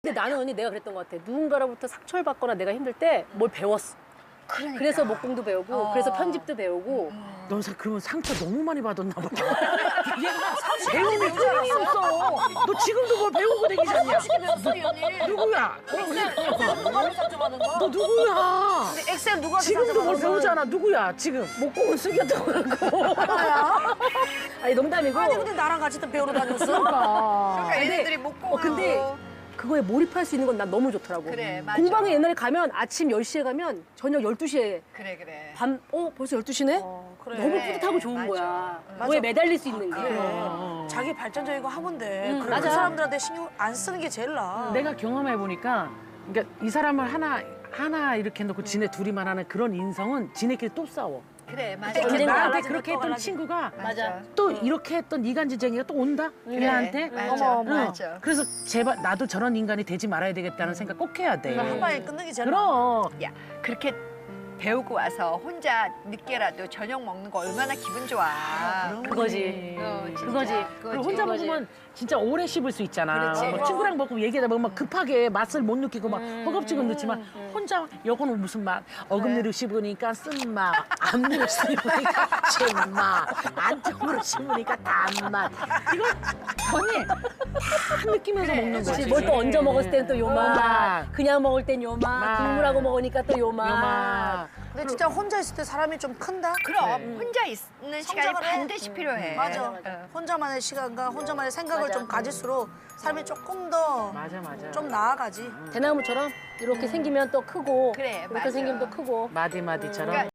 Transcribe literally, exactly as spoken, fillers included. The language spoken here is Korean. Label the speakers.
Speaker 1: 근데 나는 언니 내가 그랬던 것 같아. 누군가로부터 상처를 받거나 내가 힘들 때 뭘 배웠어.
Speaker 2: 그러니까.
Speaker 1: 그래서 목공도 배우고
Speaker 2: 어.
Speaker 1: 그래서 편집도 배우고.
Speaker 2: 음.
Speaker 3: 넌 사, 그러면 상처 너무 많이 받았나 보다. 얘가 배움이 끊임이 없어. 너 지금도 뭘 배우고 다니잖냐.
Speaker 2: 배웠어, 이 언니.
Speaker 3: 누구야?
Speaker 2: 누가 상처받은 거?
Speaker 3: 너 누구야?
Speaker 2: 근데 엑셀 누가
Speaker 3: 지금도 뭘 배우잖아. 누구야? 지금 목공은 숙여도 그렇고.
Speaker 1: 아니 농담이고.
Speaker 2: 아니 근데 나랑 같이 또 배우러 다녔어?
Speaker 3: 그러니까.
Speaker 2: 그러니까 얘네들이 목공을
Speaker 1: 어, 근데
Speaker 2: 하고.
Speaker 1: 그거에 몰입할 수 있는 건 난 너무 좋더라고.
Speaker 2: 그래, 맞아.
Speaker 1: 공방에 옛날에 가면 아침 열 시에 가면 저녁 열두 시에
Speaker 2: 그래 그래.
Speaker 1: 밤, 어 벌써 열두 시네?
Speaker 2: 어, 그래.
Speaker 1: 너무 뿌듯하고 좋은
Speaker 2: 맞아.
Speaker 1: 거야.
Speaker 2: 응.
Speaker 1: 그거에 매달릴 수 있는 게.
Speaker 2: 그래.
Speaker 3: 어.
Speaker 4: 자기 발전적인 거 하면 돼.
Speaker 1: 음,
Speaker 4: 그래,
Speaker 1: 맞아.
Speaker 4: 그 사람들한테 신경 안 쓰는 게 제일 나아.
Speaker 3: 내가 경험해 보니까, 그러니까 이 사람을 하나 하나 이렇게 놓고 지네 둘이만 하는 그런 인성은 지네끼리 또 싸워.
Speaker 2: 그래 맞아.
Speaker 4: 그때
Speaker 3: 근데
Speaker 1: 언젠가
Speaker 3: 나한테
Speaker 4: 갈라지면
Speaker 3: 그렇게
Speaker 4: 또
Speaker 3: 했던
Speaker 4: 갈라지고.
Speaker 3: 친구가
Speaker 2: 맞아.
Speaker 3: 또 이렇게 했던 이간질쟁이가 또 온다? 빌라한테?
Speaker 2: 맞아.
Speaker 3: 응.
Speaker 2: 맞아.
Speaker 3: 그래서 제발 나도 저런 인간이 되지 말아야 되겠다는 생각 꼭 해야 돼.
Speaker 4: 한 방에 끊는 게 제일 나아.
Speaker 3: 그럼.
Speaker 2: 야 그렇게 배우고 와서 혼자 늦게라도 저녁 먹는 거 얼마나 기분 좋아.
Speaker 1: 그거지.
Speaker 2: 어, 진짜.
Speaker 1: 그거지.
Speaker 3: 그리고 혼자
Speaker 1: 그거지.
Speaker 3: 먹으면 진짜 오래 씹을 수 있잖아.
Speaker 2: 그렇지.
Speaker 3: 뭐 친구랑 먹고 얘기하다 보면 막 급하게 맛을 못 느끼고 막
Speaker 1: 음,
Speaker 3: 허겁지겁 넣지만 혼자 요거는 무슨 맛? 어금니로 씹으니까 쓴맛, 앞니로 씹으니까 신맛, 안쪽으로 씹으니까 단맛. 이거 언니 다 느끼면서 먹는 거지.
Speaker 1: 뭘 또 얹어 먹었을 때는 또 요
Speaker 3: 어.
Speaker 1: 맛, 그냥 먹을 땐 요 맛,
Speaker 3: 맛.
Speaker 1: 국물하고 먹으니까 또 요 맛.
Speaker 3: 요맛.
Speaker 4: 근데 진짜 혼자 있을 때 사람이 좀 큰다?
Speaker 2: 그럼 혼자 있는 시간이
Speaker 4: 성장을 해.
Speaker 2: 반드시 필요해.
Speaker 4: 맞아.
Speaker 2: 어.
Speaker 4: 혼자만의 시간과 혼자만의 생각을
Speaker 1: 맞아.
Speaker 4: 좀 가질수록 삶이 조금 더 좀
Speaker 3: 맞아 맞아.
Speaker 4: 나아가지.
Speaker 1: 대나무처럼 이렇게 생기면 또 크고
Speaker 2: 그래,
Speaker 1: 이렇게
Speaker 2: 맞아.
Speaker 1: 생기면 또 크고.
Speaker 3: 마디 마디처럼.
Speaker 2: 그러니까